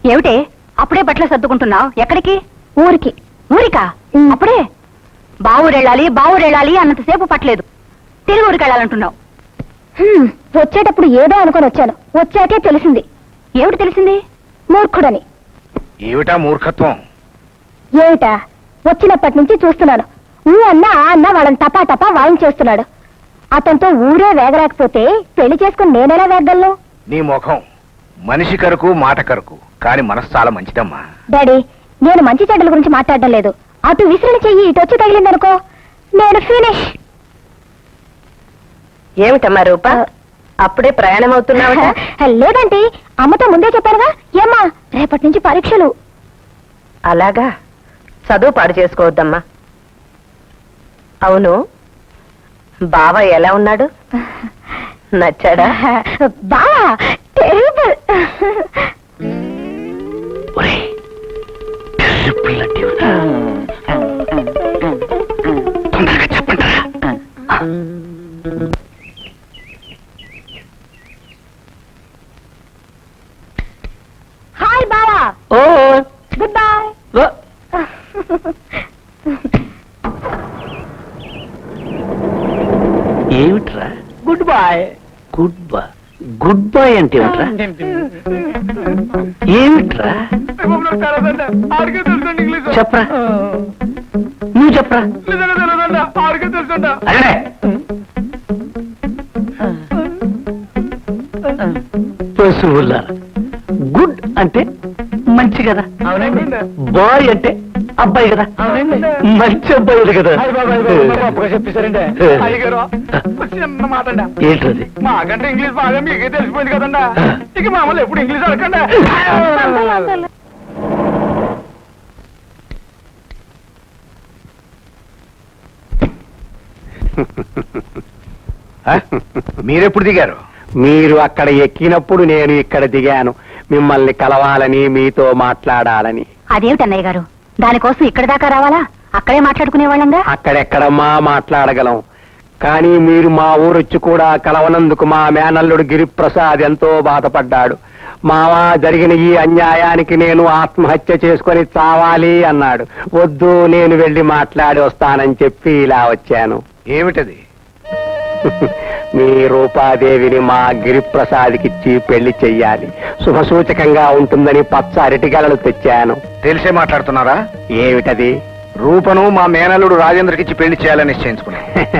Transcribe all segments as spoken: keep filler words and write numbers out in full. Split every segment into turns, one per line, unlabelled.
ఏమిటే అప్పుడే బట్టలు సర్దుకుంటున్నావు? ఎక్కడికి? ఊరికి. ఊరికా? అప్పుడే? బావురెళ్ళాలి బావురెళ్ళాలి అన్నంతసేపు పట్టలేదు, తిరిగి ఊరికి వెళ్ళాలంటున్నావు. వచ్చేటప్పుడు ఏదో అనుకొని వచ్చాను, వచ్చాకే తెలిసింది. ఏమిటి తెలిసింది? మూర్ఖుడని.
ఏమిటా మూర్ఖత్వం?
ఏమిటా? వచ్చినప్పటి నుంచి చూస్తున్నాను, ఊ అన్న ఆ అన్న వాళ్ళని టపా టపా వాయించేస్తున్నాడు. అతనితో ఊరే వేగరాకపోతే పెళ్లి చేసుకుని నేనెలా వేగలను?
నీ ముఖం మనిషి కరకు మాట కరకు, కాని మనసు చాలా మంచిదమ్మా.
డాడీ, నేను మంచి చెడ్డల గురించి మాట్లాడడం లేదు. అటు విసిరిన చెయ్యి ఇటు వచ్చి తగిలిందనుకో, నేను ఫినిష్.
ఏమిటమ్మా రూప, అప్పుడే ప్రయాణం అవుతున్నావు?
లేదంటే అమ్మతో ముందే చెప్పానుగా. ఏమ్మా, రేపటి నుంచి పరీక్షలు.
అలాగా, చదువు పాడు చేసుకోవద్దమ్మా. అవును, బావ ఎలా ఉన్నాడు? నచ్చాడా?
బావా టెరిబుల్.
తొందరగా చెప్పండి.
హాయ్ బావా.
Oh
good boy.
ఏమిట్రా
good boy?
Good boy good boy అంటే ఏమిట్రా? ఏమిట్రా చెప్పరా, నువ్వు చెప్పరా. అరే పశువులారా, గుడ్ అంటే మంచి కదా, బాయ్ అంటే అబ్బాయి కదా, మంచి అబ్బాయి కదా.
చెప్పేశారండి అయ్యగారు. చిన్న మాట అండి,
ఏంటది?
మాకంటే ఇంగ్లీష్ బాగా మీకే తెలిసిపోయింది కదండి, ఇక మామూలు ఎప్పుడు ఇంగ్లీష్ అడగండి.
మీరెప్పుడు దిగారు?
మీరు అక్కడ ఎక్కినప్పుడు నేను ఇక్కడ దిగాను, మిమ్మల్ని కలవాలని, మీతో మాట్లాడాలని.
అదేమిటన్నయ్య గారు, దానికోసం ఇక్కడ దాకా రావాలా? అక్కడే మాట్లాడుకునే వాళ్ళంగా.
అక్కడెక్కడమ్మా మాట్లాడగలం, కానీ మీరు మా ఊరొచ్చి కూడా కలవనందుకు మా మేనల్లుడు గిరిప్రసాద్ ఎంతో బాధపడ్డాడు. మావా, జరిగిన ఈ అన్యాయానికి నేను ఆత్మహత్య చేసుకొని చావాలి అన్నాడు. వద్దు, నేను వెళ్లి మాట్లాడి వస్తానని చెప్పి ఇలా వచ్చాను.
ఏమిటది?
మీ రూపాదేవిని మా గిరిప్రసాద్కిచ్చి పెళ్లి చెయ్యాలి, శుభసూచకంగా ఉంటుందని పచ్చ అరటిగలలు తెచ్చాను.
తెలిసే మాట్లాడుతున్నారా?
ఏమిటది?
రూపను మా మేనల్లుడు రాజేంద్రకిచ్చి పెళ్లి చేయాలని నిశ్చయించుకున్నా.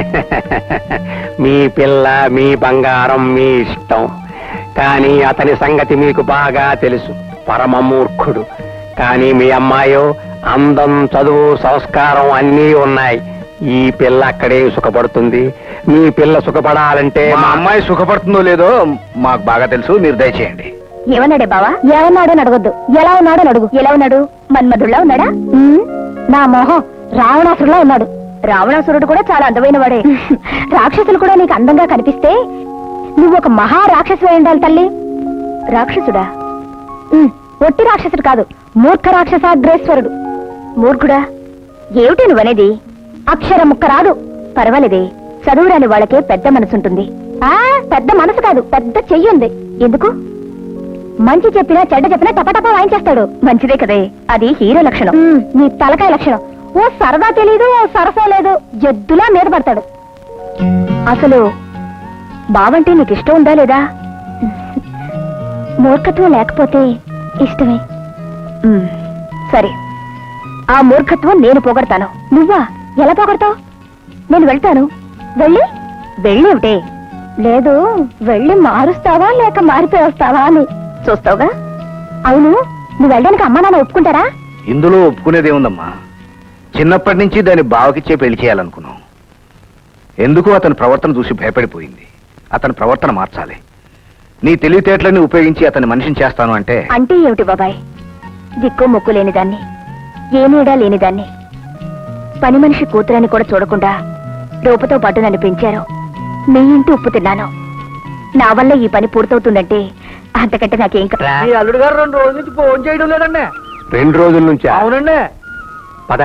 మీ పిల్ల, మీ బంగారం, మీ ఇష్టం. కానీ అతని సంగతి మీకు బాగా తెలుసు, పరమ మూర్ఖుడు. కానీ మీ అమ్మాయో అందం, చదువు, సంస్కారం అన్నీ ఉన్నాయి. ఈ పిల్ల అక్కడే సుఖపడుతుంది. మీ పిల్ల సుఖపడాలంటే
మా అమ్మాయి సుఖపడుతుందో లేదో మాకు బాగా తెలుసు, మీరు దయచేయండి.
ఏమన్నాడే బావా? ఏమన్నాడని అడగొద్దు, ఎలా ఉన్నాడని అడుగు. ఎలా ఉన్నాడు? మన్మధుడిలా ఉన్నాడా? నా మోహం రావణాసురులా ఉన్నాడు. రావణాసురుడు కూడా చాలా అందమైన వాడే. రాక్షసులు కూడా నీకు అందంగా కనిపిస్తే నువ్వు ఒక మహా రాక్షసు అయి ఉండాలి తల్లి. రాక్షసుడా? ఒట్టి రాక్షసుడు కాదు, మూర్ఖ రాక్షసాగ్రేశ్వరుడు. మూర్ఖుడా? ఏమిటి నువ్వనేది? అక్షరం ముక్క రాదు. పర్వాలేదే, చదువురాని వాళ్ళకే పెద్ద మనసుంటుంది. ఆ పెద్ద మనసు కాదు, పెద్ద చెయ్యి ఉంది. ఎందుకు? మంచి చెప్పినా చెడ్డ చెప్పినా టపటపా వాయించేస్తాడు. మంచిదే కదే, అది హీరో లక్షణం. నీ తలకాయ లక్షణం. ఓ సరదా తెలీదు, ఓ సరసా లేదు, జద్దులా మీద పడతాడు. అసలు బావంటే నీకు ఇష్టం ఉందా లేదా? మూర్ఖత్వం లేకపోతే ఇష్టమే. సరే, ఆ మూర్ఖత్వం నేను పోగొడతాను. నువ్వా? ఎలా పోగొడతావు? నేను వెళ్తాను. వెళ్ళి వెళ్ళేవిటే? లేదు, వెళ్ళి మారుస్తావా లేక మారిపోయి వస్తావా అని చూస్తావుగా. అవును, నువ్వు వెళ్ళడానికి అమ్మా నాన్న ఒప్పుకుంటారా?
ఇందులో ఒప్పుకునేదేముందమ్మా, చిన్నప్పటి నుంచి దాన్ని బావకిచ్చే పెళ్లి చేయాలనుకున్నాం. ఎందుకు అతని ప్రవర్తన చూసి భయపడిపోయింది. అతని ప్రవర్తన మార్చాలి. నీ తెలివితేటలని ఉపయోగించి అతని మనిషిని చేస్తాను అంటే
అంటే ఏమిటి బాబాయ్? దిక్కు మొక్కు లేనిదాన్ని, ఏ నీడా లేనిదాన్ని, పని మనిషి కూతురని కూడా చూడకుండా రూపతో పాటు నన్ను పెంచారు. మీ ఇంటి ఉప్పు తిన్నాను. నా వల్ల ఈ పని పూర్తవుతుందంటే అంతకంటే నాకేం కదా.
అల్లుడు గారు రెండు రోజుల నుంచి ఫోన్ చేయడం లేదండి.
రెండు రోజుల నుంచి?
అవునండి.
పద.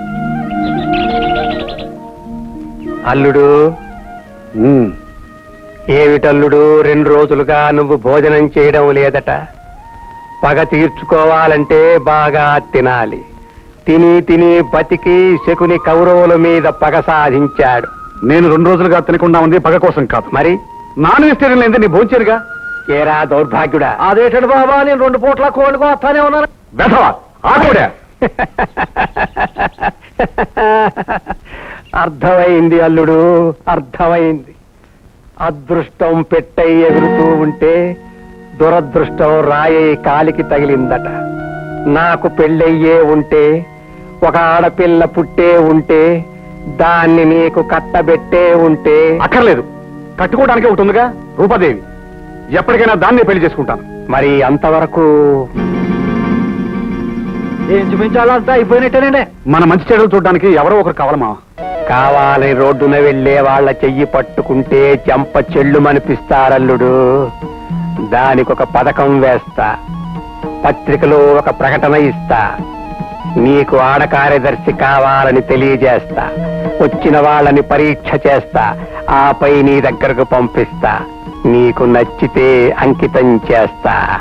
అల్లుడు, ఏమిటల్లుడు రెండు రోజులుగా నువ్వు భోజనం చేయడం లేదట. పగ తీర్చుకోవాలంటే బాగా తినాలి. తిని తిని బతికి శకుని కౌరవుల మీద పగ సాధించాడు.
నేను రెండు రోజులుగా తినకుండా ఉంది పగ కోసం కాదు,
మరి
నాన్ వెజిటేరియన్ లేదే నీ భోంచేరుగా.
ఏరా దౌర్భాగ్యుడా,
అదేటండి బాబా, నేను రెండు పూట్ల కోళ్ళకు వస్తానే ఉన్నాను.
వెధవా ఆకుడే.
అర్థమైంది అల్లుడు, అర్థమైంది. అదృష్టం పెట్టై ఎగురుతూ ఉంటే దురదృష్టం రాయే కాలికి తగిలిందట. నాకు పెళ్ళయ్యే ఉంటే, ఒక ఆడపిల్ల పుట్టే ఉంటే, దాన్ని నీకు కట్టబెట్టే ఉంటే.
అక్కర్లేదు, కట్టుకోవడానికే ఒకటి ఉందిగా రూపాదేవి. ఎప్పటికైనా దాన్నే పెళ్లి చేసుకుంటాను.
మరి అంతవరకు
ఏం చూపించాలంతా అయిపోయినట్టేనండి.
మన మంచి చెడులు చూడడానికి ఎవరో ఒకరు కావాలి మావా.
కావాలని రోడ్డున వెళ్లే వాళ్ళ చెయ్యి పట్టుకుంటే చెంప చెల్లుమనిపిస్తారల్లుడు. దానికొక పథకం వేస్తా, పత్రికలో ఒక ప్రకటన ఇస్తా, నీకు ఆడ కార్యదర్శి కావాలని తెలియజేస్తా, వచ్చిన వాళ్ళని పరీక్ష చేస్తా, ఆపై నీ దగ్గరకు పంపిస్తా. నీకు నచ్చితే అంకితం చేస్తా.